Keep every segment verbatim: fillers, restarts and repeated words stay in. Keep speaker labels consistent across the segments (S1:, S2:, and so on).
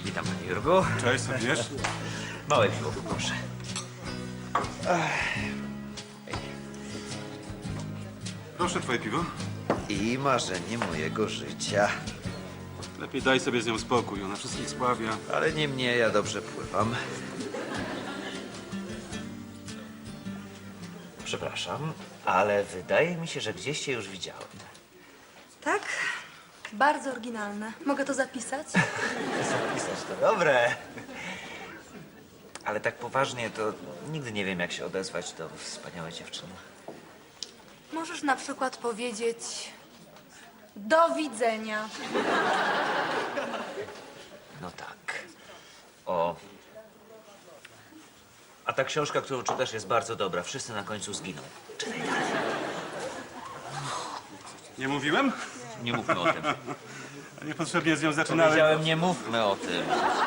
S1: Witam, panie Jurgu.
S2: Cześć, co pijesz?
S1: Małe piwo, proszę.
S2: Proszę, twoje piwo.
S1: I marzenie mojego życia.
S2: Lepiej daj sobie z nią spokój, ona wszystkich spławia.
S1: Ale nie mnie, ja dobrze pływam. Przepraszam, ale wydaje mi się, że gdzieś cię już widziałem.
S3: Tak? Bardzo oryginalne. Mogę to zapisać?
S1: Zapisać to dobre. Ale tak poważnie, to nigdy nie wiem, jak się odezwać do wspaniałej dziewczyny.
S3: Możesz na przykład powiedzieć... Do widzenia.
S1: No tak. O. A ta książka, którą czytasz, jest bardzo dobra. Wszyscy na końcu zginą. Czytaj dalej.
S2: Nie mówiłem?
S1: Nie mówmy o tym.
S2: Niepotrzebnie z nią zaczynałem.
S1: Powiedziałem, nie mówmy o tym.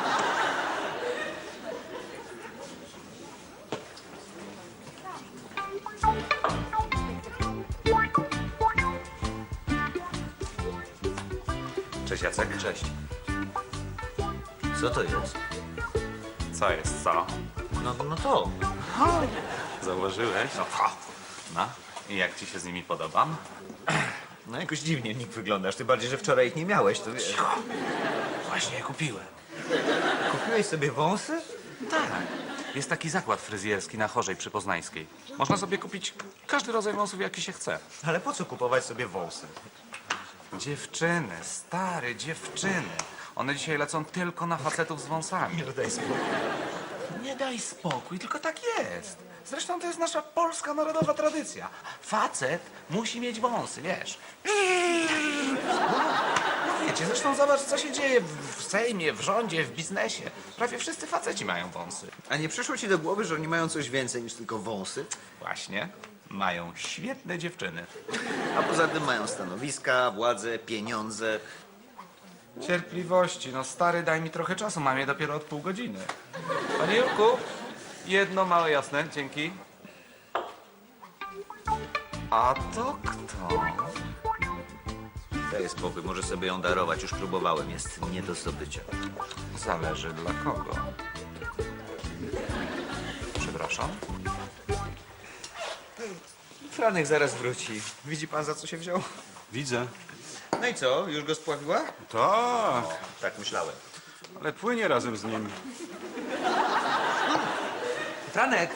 S1: Cześć, Jacek. Cześć. Co to jest?
S2: Co jest, co?
S1: No, no to.
S2: Zauważyłeś?
S1: No, to. No. I jak ci się z nimi podobam? No jakoś dziwnie w nich wyglądasz. Tym bardziej, że wczoraj ich nie miałeś, to wiesz.
S4: Właśnie je kupiłem.
S1: Kupiłeś sobie wąsy?
S4: Tak. Jest taki zakład fryzjerski na Chorzej przy Poznańskiej. Można sobie kupić każdy rodzaj wąsów, jaki się chce.
S1: Ale po co kupować sobie wąsy?
S4: Dziewczyny, stare dziewczyny. One dzisiaj lecą tylko na facetów z wąsami.
S1: Nie daj spokój.
S4: Nie daj spokój, tylko tak jest. Zresztą to jest nasza polska narodowa tradycja. Facet musi mieć wąsy, wiesz. No wiecie, zresztą zobacz, co się dzieje w Sejmie, w rządzie, w biznesie. Prawie wszyscy faceci mają wąsy.
S1: A nie przyszło ci do głowy, że oni mają coś więcej niż tylko wąsy?
S4: Właśnie. Mają świetne dziewczyny.
S1: A poza tym mają stanowiska, władzę, pieniądze.
S4: Cierpliwości, no stary, daj mi trochę czasu, mam je dopiero od pół godziny. Panie Jurku, jedno małe jasne, dzięki. A to kto?
S1: Daj spokój, może sobie ją darować. Już próbowałem, jest nie do zdobycia.
S4: Zależy dla kogo. Przepraszam.
S1: Franek zaraz wróci. Widzi pan, za co się wziął?
S2: Widzę.
S1: No i co, już go spławiła?
S2: Tak,
S1: Tak myślałem.
S2: ale płynie razem z nim.
S1: Franek!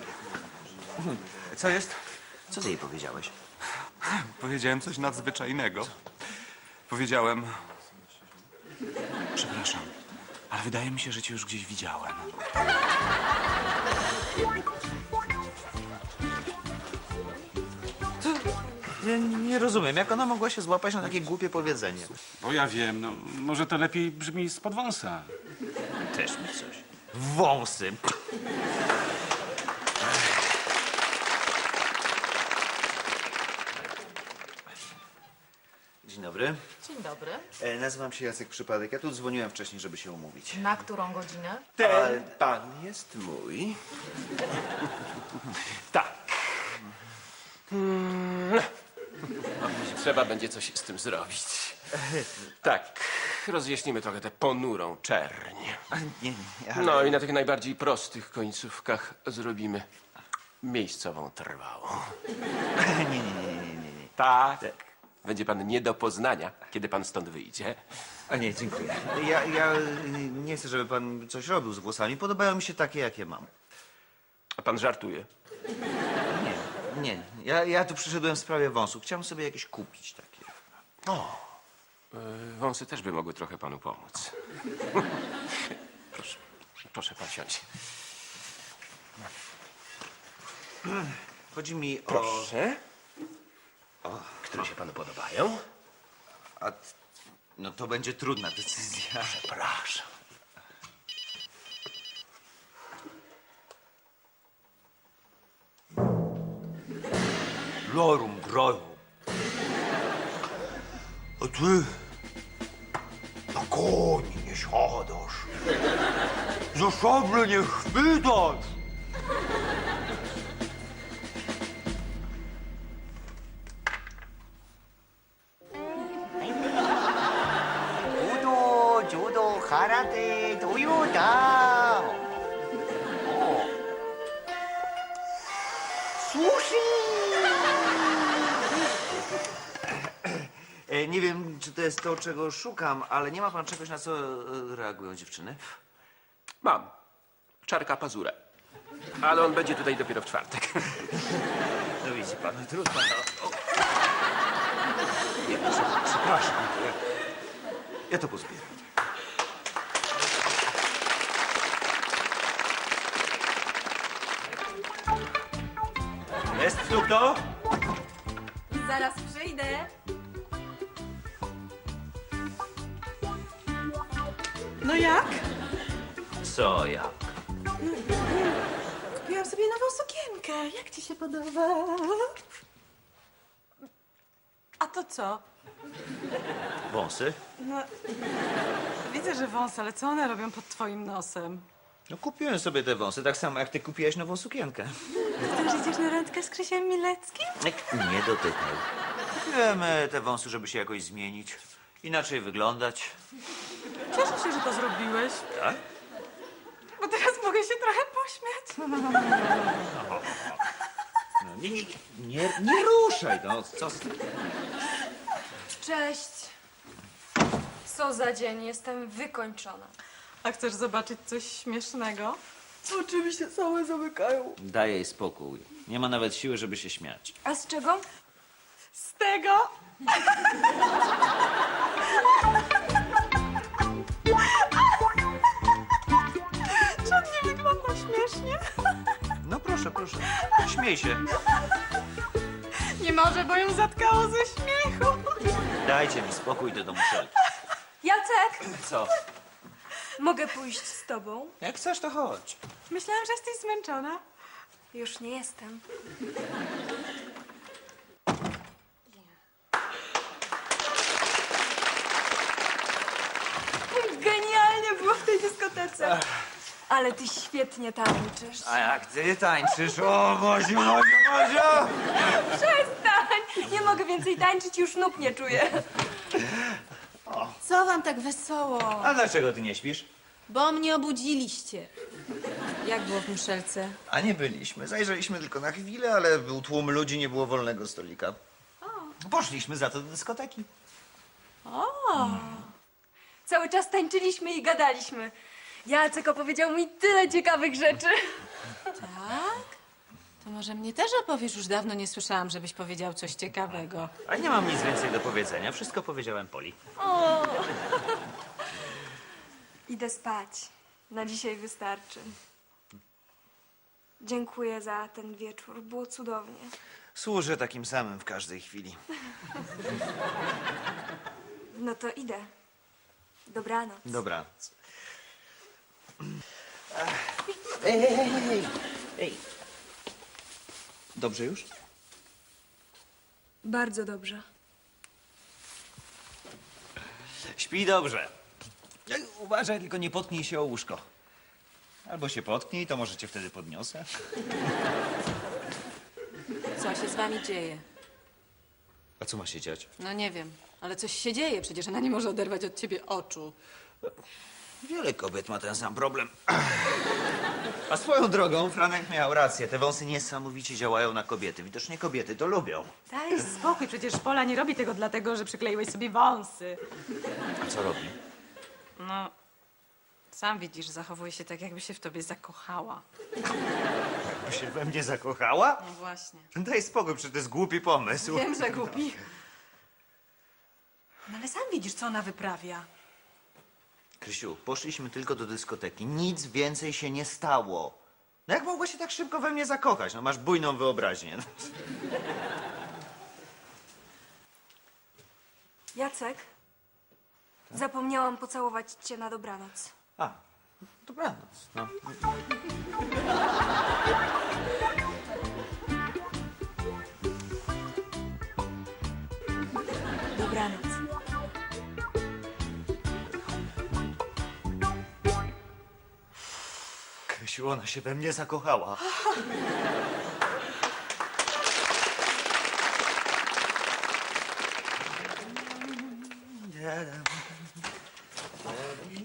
S4: Co jest?
S1: Co ty jej powiedziałeś?
S4: Powiedziałem coś nadzwyczajnego. Powiedziałem... Przepraszam, ale wydaje mi się, że cię już gdzieś widziałem.
S1: Nie, nie rozumiem, jak ona mogła się złapać na takie głupie powiedzenie.
S2: Bo ja wiem, no może to lepiej brzmi spod wąsa.
S1: Też mi coś. Wąsy. Dzień dobry.
S5: Dzień dobry.
S1: E, nazywam się Jacek Przypadek. Ja tu dzwoniłem wcześniej, żeby się umówić.
S5: Na którą godzinę?
S6: Ten pan jest mój. Tak. Mm. Trzeba będzie coś z tym zrobić. Tak, rozjaśnimy trochę tę ponurą czerń.
S1: A, nie, nie, ale...
S6: No i na tych najbardziej prostych końcówkach zrobimy miejscową trwałą.
S1: nie, nie, nie, nie, nie, nie.
S6: Tak. Będzie pan nie do poznania, kiedy pan stąd wyjdzie.
S1: A nie, dziękuję. Ja, ja y, nie chcę, żeby pan coś robił z włosami. Podobają mi się takie, jakie mam.
S6: A pan żartuje.
S1: Nie, nie. Ja, ja tu przyszedłem w sprawie wąsów. Chciałem sobie jakieś kupić takie.
S6: Y, Wąsy też by mogły trochę panu pomóc. Proszę, proszę pan siąść.
S1: Chodzi mi o...
S6: Proszę. Które się panu podobają?
S1: A, no to będzie trudna decyzja.
S6: Przepraszam.
S1: Lorum groju. A ty na koni nie siadasz. Za szable nie chwytasz. Udo,
S5: ど空手どよだ。お。Sushi!
S1: E, nie wiem, czy to jest to, czego szukam, ale nie ma pan czegoś, na co e, reagują dziewczyny?
S6: Mam. Czarka pazurę. Ale on będzie tutaj dopiero w czwartek.
S1: No widzi pan, no trudno. No. O. Nie, prze- przepraszam. Ja, ja to pozbieram. Jest tu kto?
S3: Zaraz przyjdę.
S7: No jak?
S1: Co ja?
S7: Kupiłam sobie nową sukienkę. Jak ci się podoba? A to co?
S1: Wąsy?
S7: No, widzę, że wąs, ale co one robią pod twoim nosem?
S1: No kupiłem sobie te wąsy, tak samo jak ty kupiłeś nową sukienkę.
S7: Ty też idziesz na randkę z Krzysiem Mileckim?
S1: Nie dotykaj. Kupiłem e, te wąsy, żeby się jakoś zmienić. Inaczej wyglądać.
S7: Cieszę się, że to zrobiłeś,
S1: Tak?
S7: bo teraz mogę się trochę pośmiać.
S1: No, nie, nie, nie, nie ruszaj, no co z...
S3: Cześć. Co za dzień, jestem wykończona.
S7: A chcesz zobaczyć coś śmiesznego? Oczywiście całe zamykają.
S1: Daj jej spokój. Nie ma nawet siły, żeby się śmiać.
S3: A z czego?
S7: Z tego? Czy on nie wygląda śmiesznie?
S1: No proszę, proszę. Śmiej się.
S7: Nie może, bo ją zatkało ze śmiechu.
S1: Dajcie mi spokój, idę do muszelki.
S3: Jacek,
S1: Co?
S3: mogę pójść z tobą?
S1: Jak chcesz, to chodź.
S7: Myślałam, że jesteś zmęczona.
S3: Już nie jestem. Genialnie było w tej dyskotece. Ale ty świetnie tańczysz.
S1: A jak ty tańczysz? O, Boziu, Boziu, Boziu!
S3: Przestań! Nie mogę więcej tańczyć, już nóg nie czuję.
S8: Co wam tak wesoło?
S1: A dlaczego ty nie śpisz?
S8: Bo mnie obudziliście. Jak było w muszelce?
S1: A nie byliśmy. Zajrzeliśmy tylko na chwilę, ale był tłum ludzi, nie było wolnego stolika. Poszliśmy za to do dyskoteki.
S3: Cały czas tańczyliśmy i gadaliśmy. Jacek opowiedział mi tyle ciekawych rzeczy.
S8: Tak? To może mnie też opowiesz? Już dawno nie słyszałam, żebyś powiedział coś ciekawego.
S1: A nie mam nic więcej do powiedzenia. Wszystko powiedziałem Poli.
S3: Idę spać. Na dzisiaj wystarczy. Dziękuję za ten wieczór. Było cudownie.
S1: Służę takim samym w każdej chwili.
S3: No to idę. Dobranoc.
S1: Dobra. Ej, ej, ej, ej, ej. Dobrze już?
S3: Bardzo dobrze.
S1: Śpi dobrze. Ej, uważaj, tylko nie potknij się o łóżko. Albo się potknij, to może cię wtedy podniosę.
S8: Co się z wami dzieje?
S1: A co ma się dziać?
S8: No nie wiem, ale coś się dzieje. Przecież ona nie może oderwać od ciebie oczu.
S1: Wiele kobiet ma ten sam problem. A swoją drogą, Franek miał rację. Te wąsy niesamowicie działają na kobiety. Widocznie kobiety to lubią.
S7: Daj spokój, przecież Pola nie robi tego dlatego, że przykleiłeś sobie wąsy.
S1: A co robi?
S7: No, sam widzisz, zachowuje się tak, jakby się w tobie zakochała.
S1: By się we mnie zakochała?
S7: No właśnie.
S1: Daj spokój, przecież to jest głupi pomysł.
S7: Wiem, że głupi. No ale sam widzisz, co ona wyprawia.
S1: Krysiu, poszliśmy tylko do dyskoteki. Nic więcej się nie stało. No jak mogła się tak szybko we mnie zakochać? No masz bujną wyobraźnię.
S3: Jacek, zapomniałam pocałować cię na dobranoc.
S1: A, dobranoc. No.
S3: Dobranoc.
S1: Krysiu, ona się we mnie zakochała.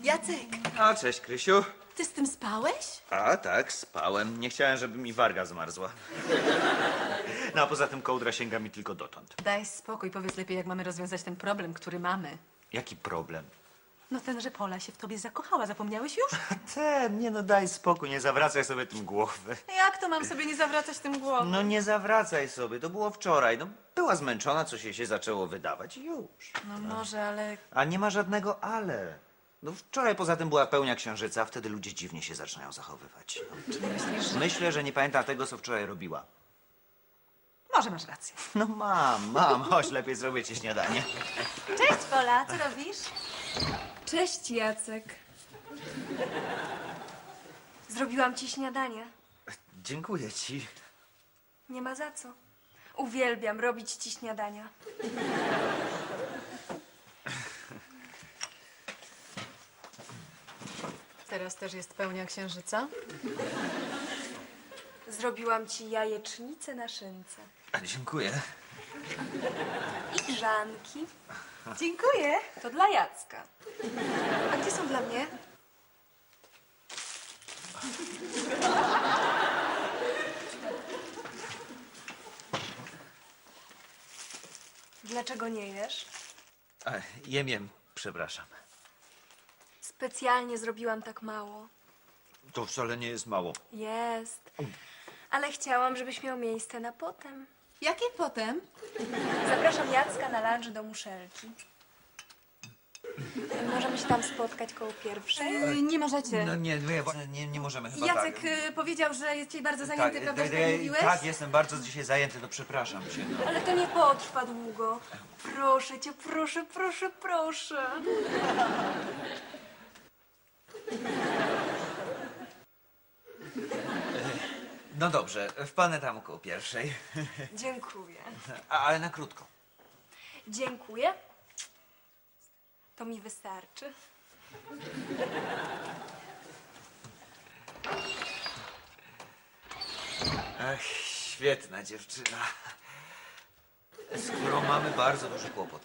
S8: Jacek,
S1: A, cześć, Krysiu.
S8: ty z tym spałeś?
S1: A, tak, spałem. Nie chciałem, żeby mi warga zmarzła. No, a poza tym kołdra sięga mi tylko dotąd.
S8: Daj spokój, powiedz lepiej, jak mamy rozwiązać ten problem, który mamy.
S1: Jaki problem?
S8: No ten, że Pola się w tobie zakochała, zapomniałeś już?
S1: Ten, nie no, daj spokój, nie zawracaj sobie tym głowy.
S8: Jak to mam sobie nie zawracać tym głową?
S1: No nie zawracaj sobie, to było wczoraj. No, była zmęczona, coś jej się zaczęło wydawać i już.
S8: No może, ale
S1: A nie ma żadnego ale. No wczoraj poza tym była pełnia księżyca, wtedy ludzie dziwnie się zaczynają zachowywać. No.
S8: czy nie myślisz, że...
S1: Myślę, że nie pamięta tego, co wczoraj robiła.
S8: Może masz rację.
S1: No mam, mam, chodź, lepiej zrobię ci śniadanie.
S8: Cześć, Pola, co robisz?
S3: Cześć, Jacek. Zrobiłam ci śniadanie.
S1: Dziękuję ci.
S3: Nie ma za co. Uwielbiam robić ci śniadania.
S8: Teraz też jest pełnia księżyca.
S3: Zrobiłam ci jajecznicę na szynce.
S1: A, dziękuję.
S3: I grzanki.
S8: Dziękuję.
S3: To dla Jacka. A gdzie są dla mnie? Dlaczego nie jesz?
S1: A, jem, jem, przepraszam.
S3: Specjalnie zrobiłam tak mało.
S1: To wcale nie jest mało.
S3: Jest. Ale chciałam, żebyś miał miejsce na potem.
S8: Jakie potem?
S3: Zapraszam Jacka na lunch do Muszelki. Możemy się tam spotkać koło pierwszej?
S8: Yy, nie możecie.
S1: No nie, nie, nie, nie możemy chyba
S8: Jacek
S1: tak.
S8: y, powiedział, że jest dzisiaj bardzo zajęty,
S1: tak,
S8: prawda, że
S1: tak,
S8: tak mówiłeś?
S1: tak, jestem bardzo dzisiaj zajęty, no przepraszam cię. No.
S3: Ale to nie potrwa długo. Proszę cię, proszę, proszę, proszę.
S1: No dobrze, wpadnę tam koło pierwszej.
S3: Dziękuję.
S1: A, ale na krótko.
S3: Dziękuję. To mi wystarczy.
S1: Ach, świetna dziewczyna. Z którą mamy bardzo duży kłopot.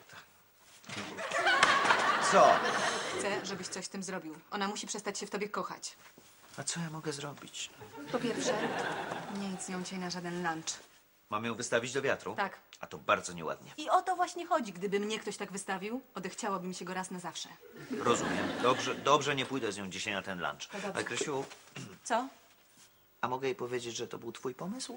S1: Co?
S8: Chcę, żebyś coś z tym zrobił. Ona musi przestać się w tobie kochać.
S1: A co ja mogę zrobić?
S8: Po pierwsze, nie idź z nią dzisiaj na żaden lunch.
S1: Mam ją wystawić do wiatru?
S8: Tak.
S1: A to bardzo nieładnie.
S8: I o to właśnie chodzi. Gdyby mnie ktoś tak wystawił, odechciałoby mi się go raz na zawsze.
S1: Rozumiem. Dobrze, dobrze, nie pójdę z nią dzisiaj na ten lunch.
S8: dobrze.
S1: Ale Krysiu,
S8: Co?
S1: a mogę jej powiedzieć, że to był twój pomysł?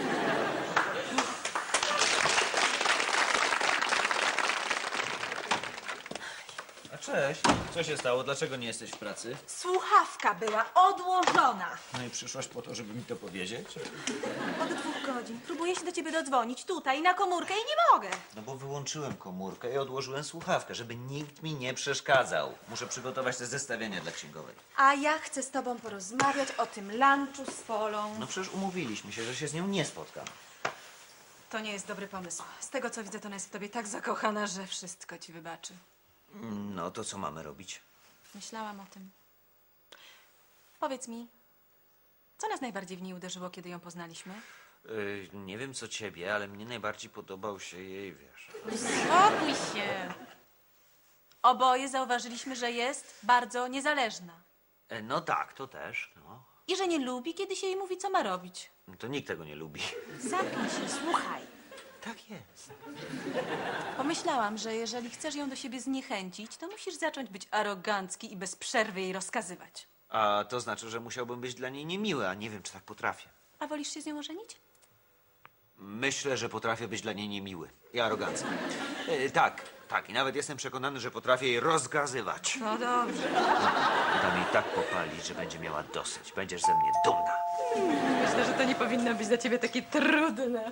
S1: A cześć. Co się stało? Dlaczego nie jesteś w pracy?
S9: Słuchawka była odłożona.
S1: No i przyszłaś po to, żeby mi to powiedzieć?
S9: Od dwóch godzin. Próbuję się do ciebie dodzwonić tutaj na komórkę i nie mogę.
S1: No bo wyłączyłem komórkę i odłożyłem słuchawkę, żeby nikt mi nie przeszkadzał. Muszę przygotować te zestawienia dla księgowej.
S9: A ja chcę z tobą porozmawiać o tym lunchu z Polą.
S1: No przecież umówiliśmy się, że się z nią nie spotkam.
S8: To nie jest dobry pomysł. Z tego, co widzę, to ona jest w tobie tak zakochana, że wszystko ci wybaczy.
S1: No to co mamy robić?
S8: Myślałam o tym. Powiedz mi, co nas najbardziej w niej uderzyło, kiedy ją poznaliśmy?
S1: Yy, nie wiem co ciebie, ale mnie najbardziej podobał się jej, wiesz.
S8: Spokój się! Oboje zauważyliśmy, że jest bardzo niezależna.
S1: E, no tak, to też, no.
S8: I że nie lubi, kiedy się jej mówi, co ma robić.
S1: To nikt tego nie lubi.
S9: Zamknij się, słuchaj.
S1: Tak jest.
S8: Pomyślałam, że jeżeli chcesz ją do siebie zniechęcić, to musisz zacząć być arogancki i bez przerwy jej rozkazywać.
S1: A to znaczy, że musiałbym być dla niej niemiły, a nie wiem, czy tak potrafię.
S8: A wolisz się z nią ożenić?
S1: Myślę, że potrafię być dla niej niemiły i arogancki. E, tak, tak. I nawet jestem przekonany, że potrafię jej rozgazywać.
S8: No dobrze.
S1: Dam jej tak popalić, że będzie miała dosyć. Będziesz ze mnie dumna.
S8: Myślę, że to nie powinno być dla ciebie takie trudne.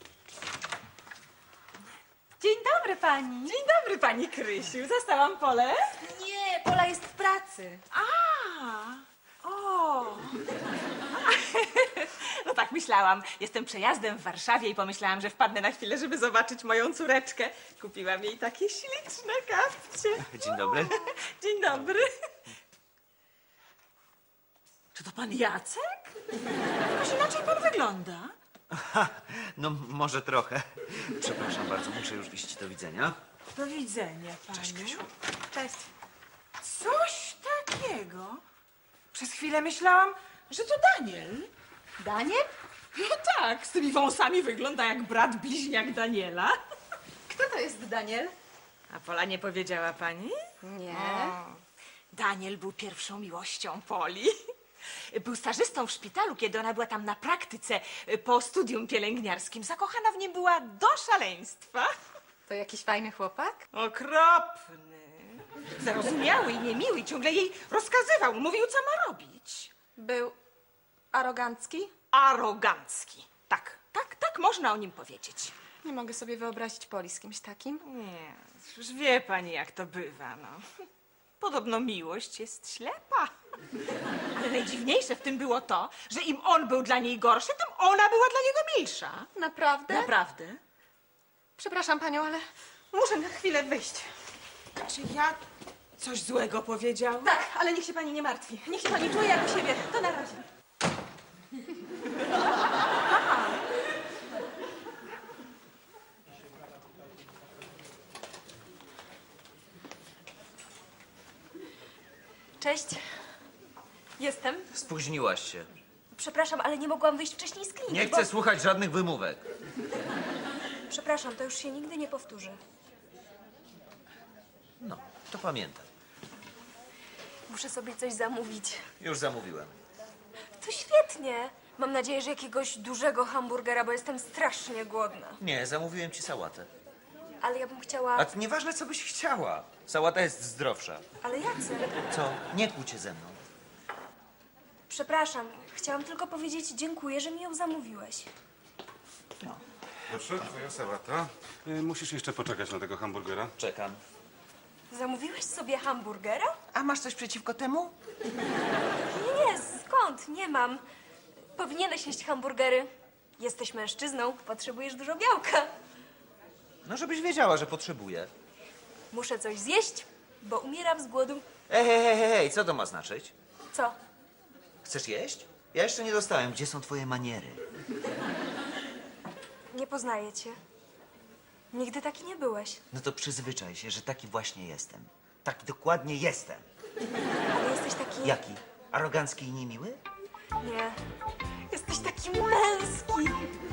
S9: Dzień dobry pani.
S8: Dzień dobry, pani Krysiu. Zastałam Polę?
S9: Nie, Pola jest w pracy.
S7: O! No tak myślałam. Jestem przejazdem w Warszawie i pomyślałam, że wpadnę na chwilę, żeby zobaczyć moją córeczkę. Kupiłam jej takie śliczne kapcie.
S1: Dzień dobry.
S7: Dzień dobry. Czy to pan Jacek? Jakoś inaczej pan wygląda.
S1: Ha, no może trochę. Przepraszam bardzo, muszę już iść. Do widzenia.
S7: Do widzenia, pani.
S1: Cześć, Krysiu.
S9: Cześć.
S7: Coś Dlaczego? Przez chwilę myślałam, że to Daniel.
S8: Daniel?
S7: No tak, z tymi wąsami wygląda jak brat bliźniak Daniela.
S8: Kto to jest Daniel?
S7: A Pola nie powiedziała pani?
S8: Nie.
S7: O, Daniel był pierwszą miłością Poli. Był stażystą w szpitalu, kiedy ona była tam na praktyce po studium pielęgniarskim. Zakochana w nim była do szaleństwa.
S8: To jakiś fajny chłopak?
S7: Okropny. Zarozumiały i niemiły, ciągle jej rozkazywał, mówił, co ma robić.
S8: Był arogancki?
S7: Arogancki. Tak, tak, tak można o nim powiedzieć.
S8: Nie mogę sobie wyobrazić Poli z kimś takim.
S7: Nie, już wie pani, jak to bywa, no. Podobno miłość jest ślepa. Ale najdziwniejsze w tym było to, że im on był dla niej gorszy, tym ona była dla niego milsza.
S8: Naprawdę?
S7: Naprawdę?
S8: Przepraszam panią, ale muszę na chwilę wyjść.
S7: Czy ja coś złego powiedziałam?
S8: Tak, ale niech się pani nie martwi. Niech się pani czuje jak u siebie. To na razie.
S3: Cześć. Jestem.
S1: Spóźniłaś się.
S3: Przepraszam, ale nie mogłam wyjść wcześniej z kliniki.
S1: Nie
S3: bo-
S1: chcę słuchać żadnych wymówek.
S3: Przepraszam, to już się nigdy nie powtórzy.
S1: No, to pamiętam.
S3: Muszę sobie coś zamówić.
S1: Już zamówiłem.
S3: To świetnie. Mam nadzieję, że jakiegoś dużego hamburgera, bo jestem strasznie głodna.
S1: Nie, zamówiłem ci sałatę.
S3: Ale ja bym chciała...
S1: A to nieważne, co byś chciała. Sałata jest zdrowsza.
S3: Ale Jacek...
S1: Co? Nie kłóć się ze mną.
S3: Przepraszam, chciałam tylko powiedzieć dziękuję, że mi ją zamówiłeś.
S2: Proszę, twoja sałata. Y, Musisz jeszcze poczekać na tego hamburgera.
S1: Czekam.
S3: Zamówiłeś sobie hamburgera?
S4: A masz coś przeciwko temu?
S3: Nie, nie, skąd? Nie mam. Powinieneś jeść hamburgery. Jesteś mężczyzną, potrzebujesz dużo białka.
S1: No, żebyś wiedziała, że potrzebuję.
S3: Muszę coś zjeść, bo umieram z głodu.
S1: Ej, hej, hej, hej, hej, co to ma znaczyć?
S3: Co?
S1: Chcesz jeść? Ja jeszcze nie dostałem. Gdzie są twoje maniery?
S3: Nie poznaję cię. Nigdy taki nie byłeś.
S1: No to przyzwyczaj się, że taki właśnie jestem. Taki dokładnie jestem.
S3: Ale jesteś taki...
S1: Jaki? Arogancki i niemiły?
S3: Nie. Jesteś taki męski.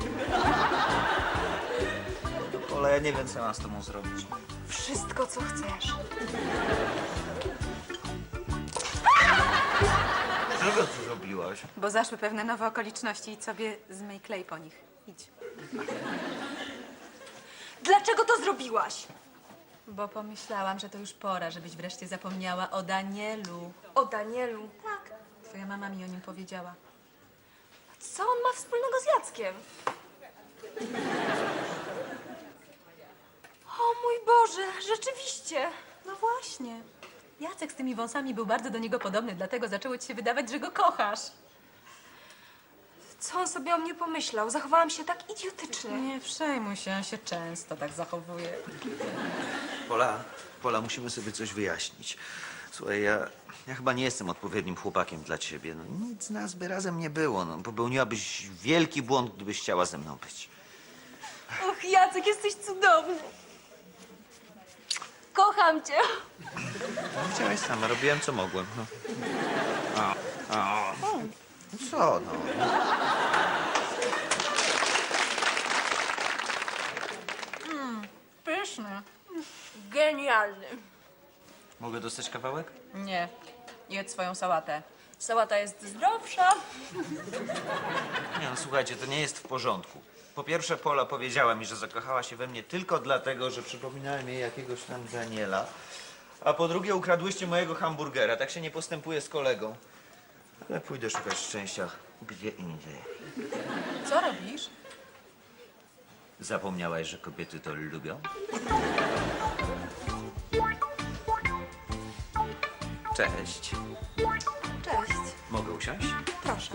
S1: Ola, ja nie wiem, co mam z tobą zrobić.
S3: Wszystko, co chcesz.
S1: Czego ty zrobiłaś?
S8: Bo zaszły pewne nowe okoliczności i sobie zmyj klej po nich. Idź.
S3: Dlaczego to zrobiłaś?
S8: Bo pomyślałam, że to już pora, żebyś wreszcie zapomniała o Danielu.
S3: O Danielu.
S8: Tak. Twoja mama mi o nim powiedziała.
S3: Co on ma wspólnego z Jackiem? O mój Boże, rzeczywiście.
S8: No właśnie. Jacek z tymi wąsami był bardzo do niego podobny, dlatego zaczęło ci się wydawać, że go kochasz.
S3: Co on sobie o mnie pomyślał? Zachowałam się tak idiotycznie.
S8: Nie przejmuj się, on się często tak zachowuje.
S1: Pola, Pola, musimy sobie coś wyjaśnić. Słuchaj, ja, ja chyba nie jestem odpowiednim chłopakiem dla ciebie. No, nic z nas by razem nie było. No, popełniłabyś wielki błąd, gdybyś chciała ze mną być.
S3: Och, Jacek, jesteś cudowny. Kocham cię.
S1: No, widziałeś sama, robiłem co mogłem. No. A, a. No co, no?
S8: Pyszny.
S3: Genialny.
S1: Mogę dostać kawałek?
S8: Nie. Jedz swoją sałatę.
S3: Sałata jest zdrowsza.
S1: Nie, no słuchajcie, to nie jest w porządku. Po pierwsze, Pola powiedziała mi, że zakochała się we mnie tylko dlatego, że przypominałem jej jakiegoś tam Daniela. A po drugie, ukradłyście mojego hamburgera. Tak się nie postępuje z kolegą. Ale pójdę szukać szczęścia gdzie indziej.
S8: Co robisz?
S1: Zapomniałaś, że kobiety to lubią? Cześć.
S3: Cześć.
S1: Mogę usiąść?
S3: Proszę.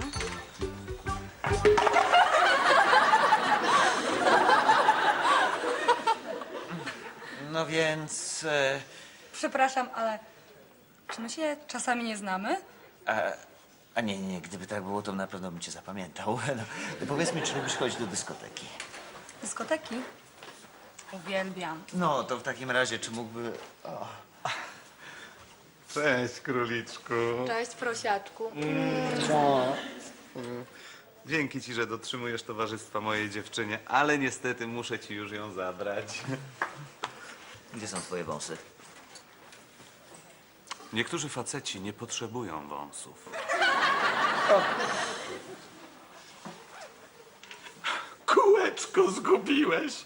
S1: No więc... E,
S10: Przepraszam, ale czy my się czasami nie znamy?
S1: a, a nie, nie, gdyby tak było, to na pewno bym cię zapamiętał. No, to powiedz mi, czy lubisz chodzić do dyskoteki?
S10: Dyskoteki? Uwielbiam.
S1: No, to w takim razie, czy mógłby... O.
S11: Cześć, króliczku.
S9: Cześć, prosiaczku.
S11: Dzięki ci, że dotrzymujesz towarzystwa mojej dziewczynie, ale niestety muszę ci już ją zabrać.
S1: Gdzie są twoje wąsy?
S11: Niektórzy faceci nie potrzebują wąsów. Kółeczko zgubiłeś.